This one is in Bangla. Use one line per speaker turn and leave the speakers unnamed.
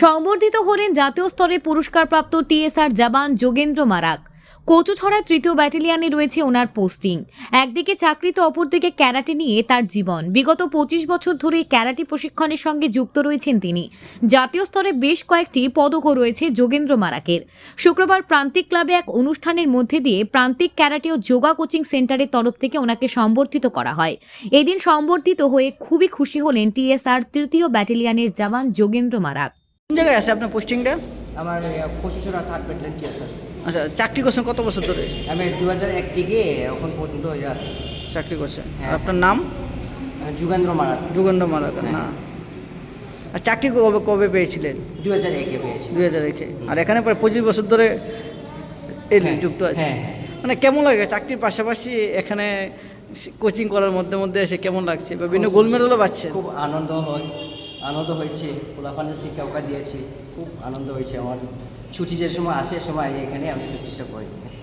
সংবর্ধিত হলেন জাতীয় স্তরে পুরস্কারপ্রাপ্ত টিএসআর জওয়ান যোগেন্দ্র মারাক। কচুছড়ায় ৩য় ব্যাটালিয়নে রয়েছে ওনার পোস্টিং। একদিকে চাকরি তো অপরদিকে ক্যারাটে নিয়ে তার জীবন। বিগত ২৫ বছর ধরে ক্যারাটে প্রশিক্ষণের সঙ্গে যুক্ত রয়েছেন তিনি। জাতীয় স্তরে বেশ কয়েকটি পদকও রয়েছে যোগেন্দ্র মারাকের। শুক্রবার প্রান্তিক ক্লাবে এক অনুষ্ঠানের মধ্যে দিয়ে প্রান্তিক ক্যারাটে ও যোগা কোচিং সেন্টারের তরফ থেকে ওনাকে সম্বর্ধিত করা হয়। এদিন সম্বর্ধিত হয়ে খুবই খুশি হলেন টিএসআর ৩য় ব্যাটালিয়নের জওয়ান যোগেন্দ্র মারাক।
কোন জায়গায় আছে আপনার পোস্টিংটা?
আমার কচুছড়া 3rd ব্যাটালিয়ন টিএসআর।
আচ্ছা, চাকরি করছেন কত বছর ধরে?
আমি 2001 থেকে এখন পর্যন্ত হয়ে আছি।
চাকরি করছেন।
হ্যাঁ।
আপনার নাম?
যুগেন্দ্র মারাক।
যুগেন্দ্র মারাক না? আর চাকরি কবে কবে পেয়েছিলেন?
2001-এ পেয়েছি।
2001-এ। আর এখানে প্রায় 25 বছর ধরে যুক্ত আছে।
হ্যাঁ।
মানে কেমন লাগে চাকরির পাশাপাশি এখানে কোচিং করার মধ্যে মধ্যে এসে কেমন লাগছে? বা বিভিন্ন গোল্ড মেডেলও পাচ্ছেন?
খুব আনন্দ হয়েছে। পোলাপানের শিক্ষা দিয়েছি, খুব আনন্দ হয়েছে আমার। ছুটি যে সময় আসে সময় এখানে আমি প্র্যাকটিস করি।